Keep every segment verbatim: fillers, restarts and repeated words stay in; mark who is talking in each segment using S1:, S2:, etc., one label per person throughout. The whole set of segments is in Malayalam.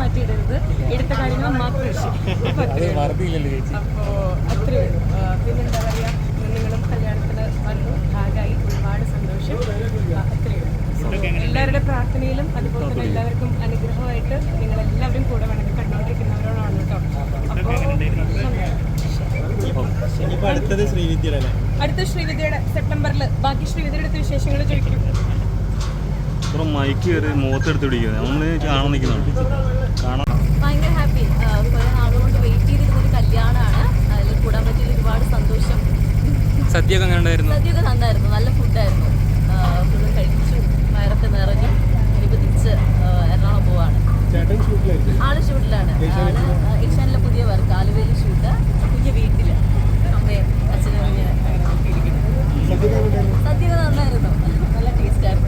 S1: മാറ്റിയിടരുത്, എടുത്ത കാര്യങ്ങൾ മാത്രം അപ്പോൾ അത്രയേ ഉള്ളൂ. പിന്നെന്താ പറയുക, നിങ്ങളും കല്യാണത്തിന് വന്നു, ഭാഗമായി, ഒരുപാട് സന്തോഷം. അത്രയേ ഉള്ളൂ. എല്ലാവരുടെ പ്രാർത്ഥനയിലും അതുപോലെ തന്നെ എല്ലാവർക്കും അനുഗ്രഹമായിട്ട് നിങ്ങളെല്ലാവരും കൂടെ വേണമെങ്കിൽ കണ്ടുകൊണ്ടിരിക്കുന്നവരോടാണ് കേട്ടോ. അപ്പോൾ
S2: അടുത്തത് ശ്രീവിദ്യയുടെ
S1: അടുത്ത ശ്രീവിദ്യയുടെ സെപ്റ്റംബറിൽ. ബാക്കി ശ്രീവിദ്യയുടെ അടുത്ത വിശേഷങ്ങൾ ചോദിക്കും.
S3: മൈക്ക് കയറി മുഖത്തെടുത്ത് പിടിക്കുക, നമ്മൾ കാണാൻ നിൽക്കുന്നുണ്ട്. കാണാൻ
S4: ഭയങ്കര ഹാപ്പി. കുറേ നാളുകൊണ്ട് വെയിറ്റ് ചെയ്തിരുന്നൊരു കല്യാണമാണ്. അതിൽ കൂടാൻ പറ്റിയ ഒരുപാട് സന്തോഷം.
S5: സദ്യയൊക്കെ അങ്ങനെ ഉണ്ടായിരുന്നു?
S4: സദ്യയൊക്കെ നന്നായിരുന്നു, നല്ല ഫുഡായിരുന്നു. ഫുഡും കഴിച്ചു, വയറൊക്കെ നിറഞ്ഞു. ഇനിയിപ്പോൾ തിരിച്ച് എറണാകുളം പോവാണ്. ആള് ഷൂട്ടിലാണ്. ആള് ഏഷ്യാനിലെ പുതിയ വർക്ക്, ആലുവയിൽ ഷൂട്ട്, കുഞ്ഞ് വീട്ടിൽ അമ്മയും അച്ഛനും ഇങ്ങനെ സദ്യയൊക്കെ നന്നായിരുന്നു, നല്ല ടേസ്റ്റായിരുന്നു.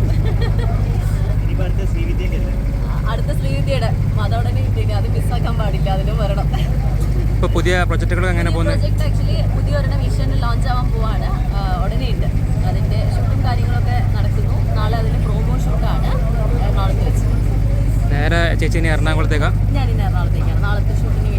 S4: അടുത്ത ശ്രീവിദ്യയുടെ അതോടനെ വിദ്യക്ക് അത് മിസ്സാക്കാൻ പാടില്ല, അതിനും വരണം.
S5: ഇപ്പോൾ പുതിയ പ്രൊജക്റ്റുകൾ എങ്ങനെ പോകുന്നത്?
S4: പ്രൊജക്ട് ആക്ച്വലി പുതിയ ഒരെണ്ണം ഏഷ്യാനിൽ ലോഞ്ച് ആവാൻ പോവാണ്. ഉടനെ ഉണ്ട്, അതിൻ്റെ ഷൂട്ടും കാര്യങ്ങളൊക്കെ നടക്കുന്നു. നാളെ അതിൻ്റെ പ്രോമോ ഷൂട്ടാണ് എറണാകുളത്ത് വെച്ച്.
S5: നേരെ ചേച്ചി ഇനി എറണാകുളത്തേക്കാണ്?
S4: ഞാനിന്ന് എറണാകുളത്തേക്കാണ്. നാളത്തെ ഷൂട്ടിന്